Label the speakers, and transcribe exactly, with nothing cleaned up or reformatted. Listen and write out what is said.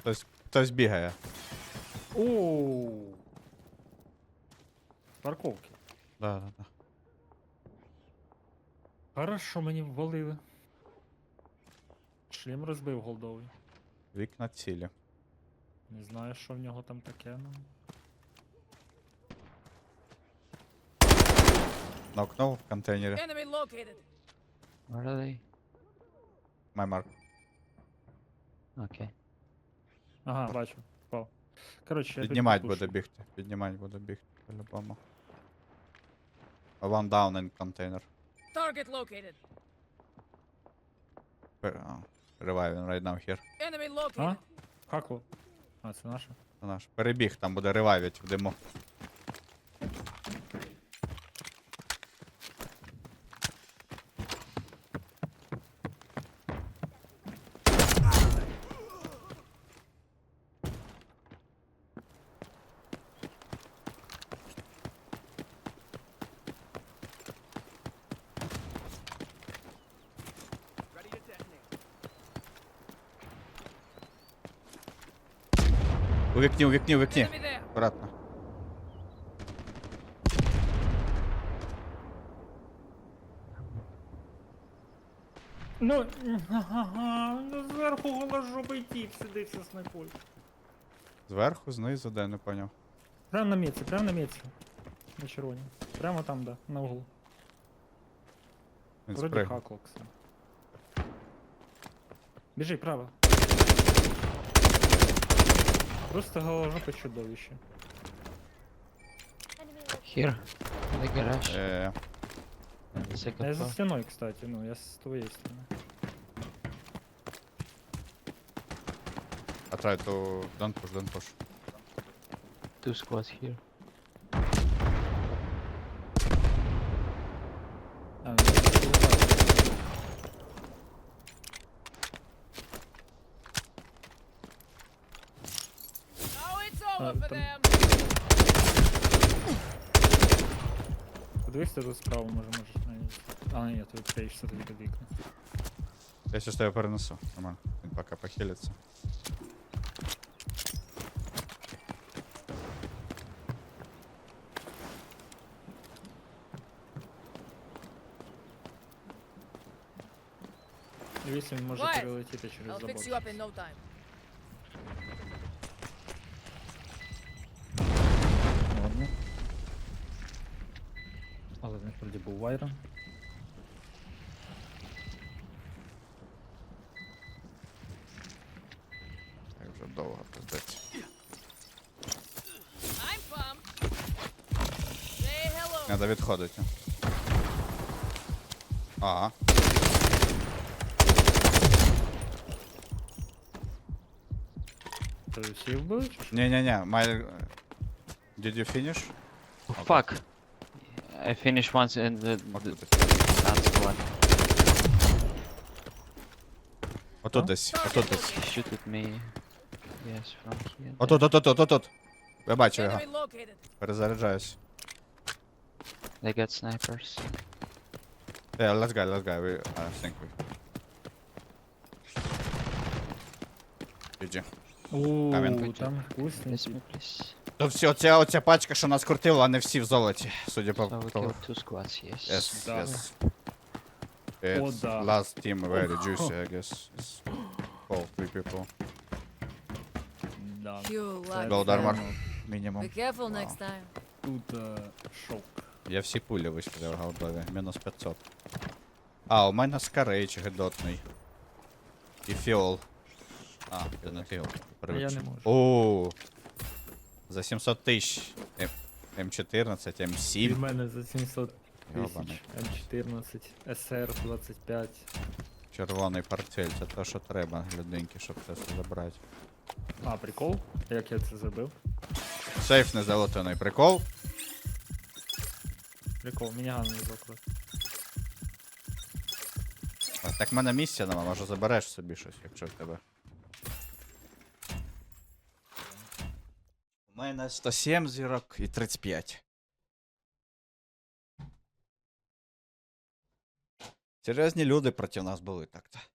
Speaker 1: Хтось, хтось бігає.
Speaker 2: Оу. Парковки.
Speaker 1: Да, да, да.
Speaker 2: Хорошо, мені ввалили. Шлем розбив голдовий.
Speaker 1: Вікна цілі.
Speaker 2: Не знаю, що в нього там таке, ну.
Speaker 1: Нокнув в контейнері.
Speaker 3: Enemy located.
Speaker 4: Where are they?
Speaker 1: Май марк.
Speaker 4: Okay.
Speaker 2: Ага, бачу. Впав. Коротше, я
Speaker 1: Піднімать
Speaker 2: підпушу.
Speaker 1: буде бігти. Піднімать буде бігти по-любому. One down in container.
Speaker 3: Target located.
Speaker 1: Reviving right now here.
Speaker 3: Enemy
Speaker 2: А?
Speaker 3: located.
Speaker 2: Хакло. А, це наше?
Speaker 1: Це наш. Перебіг, там буде ревайвить в диму. У вікні, у вікні, у вікні.
Speaker 3: Enemy there.
Speaker 1: Аккуратно.
Speaker 2: Ну, ага, ну зверху голожопий тіп сидить со снайпою.
Speaker 1: Зверху, знизу, де, не поняв.
Speaker 2: Прямо на мітці, прямо на мітці. На червоні. Прямо там, да, на углу.
Speaker 1: Він
Speaker 2: Вроді
Speaker 1: спригнув.
Speaker 2: хакло, кстати. Біжи, право. Просто голожопе чудовище.
Speaker 4: Here. In the garage.
Speaker 1: Е,
Speaker 4: The second
Speaker 2: Я за
Speaker 4: floor.
Speaker 2: стіною, кстати, ну, я з твоєї сторони.
Speaker 1: I try to... Don't push, don't push.
Speaker 4: Two squads here.
Speaker 2: А, ну,
Speaker 3: Oh, it's over
Speaker 2: Uh,
Speaker 3: for
Speaker 2: там-
Speaker 3: them.
Speaker 2: подивись, ти тут справа, може, можеш навіть. А, ні, ти відкриєшся тоді під вікна.
Speaker 1: Я сейчас тебе перенесу. Нормально. Він поки похилиться.
Speaker 2: Дивись, він може
Speaker 3: Right.
Speaker 2: перелетіти через
Speaker 3: I'll
Speaker 2: забор.
Speaker 3: fix you up in no time.
Speaker 2: Ладно. Але він вроді був вайрон.
Speaker 1: Так вже довго пиздець.
Speaker 3: I'm pumped. Say hello.
Speaker 1: Надо відходити. Ага.
Speaker 2: Ти всі вбили чи що?
Speaker 1: Не-не-не, my... Did you finish?
Speaker 4: Oh, fuck! I finished once in the,
Speaker 1: Ось
Speaker 4: the
Speaker 1: тут.
Speaker 4: last squad.
Speaker 1: Отут десь, отут десь.
Speaker 4: He shoot at me. Yes, from here.
Speaker 1: Отут, отут, отут, отут. Я бачу його.
Speaker 3: Enemy located.
Speaker 1: Перезаряджаюсь.
Speaker 4: They got snipers.
Speaker 1: Yeah, let's go, let's go. We, I think we... Іди. Кам'янка.
Speaker 2: Ууу, там вкусний.
Speaker 4: Please me, please.
Speaker 1: То всі, оця, оця пачка, що нас крутила, не всі в золоті, судя по
Speaker 4: So we
Speaker 1: тому.
Speaker 4: killed two squads, yes.
Speaker 1: Yes,
Speaker 2: Да.
Speaker 1: yes.
Speaker 2: О,
Speaker 1: It's
Speaker 2: да.
Speaker 1: last team very juicy, I guess. It's all three people.
Speaker 2: Да.
Speaker 3: You
Speaker 2: Це
Speaker 3: lucky.
Speaker 1: Gold armor.
Speaker 2: прямо
Speaker 1: Мінімум.
Speaker 3: Be careful
Speaker 1: Wow.
Speaker 3: next time.
Speaker 2: Тут е, шок.
Speaker 1: Я всі пулі вистрілив голдові. Мінус п'ятсот. А, у мене скарейч гидотний. І фіол. А, це не фіол.
Speaker 2: Я не можу.
Speaker 1: Ооо. За сімсот тисяч. М чотирнадцять, М
Speaker 2: Від
Speaker 1: сім.
Speaker 2: мене за сімсот
Speaker 1: Йобаний.
Speaker 2: тисяч. М чотирнадцять, С Р двадцять п'ять.
Speaker 1: Червоний портфель, це те, що треба, людинки, щоб це все забрати.
Speaker 2: А, прикол? Як я це зробив?
Speaker 1: Сейф не залутаний. Прикол?
Speaker 2: Прикол, мініган не закрив.
Speaker 1: А, так в мене місця нема, може забереш собі щось, якщо в тебе. У мене сто сім зірок і тридцять п'ять. Серйозні люди проти нас були так-то.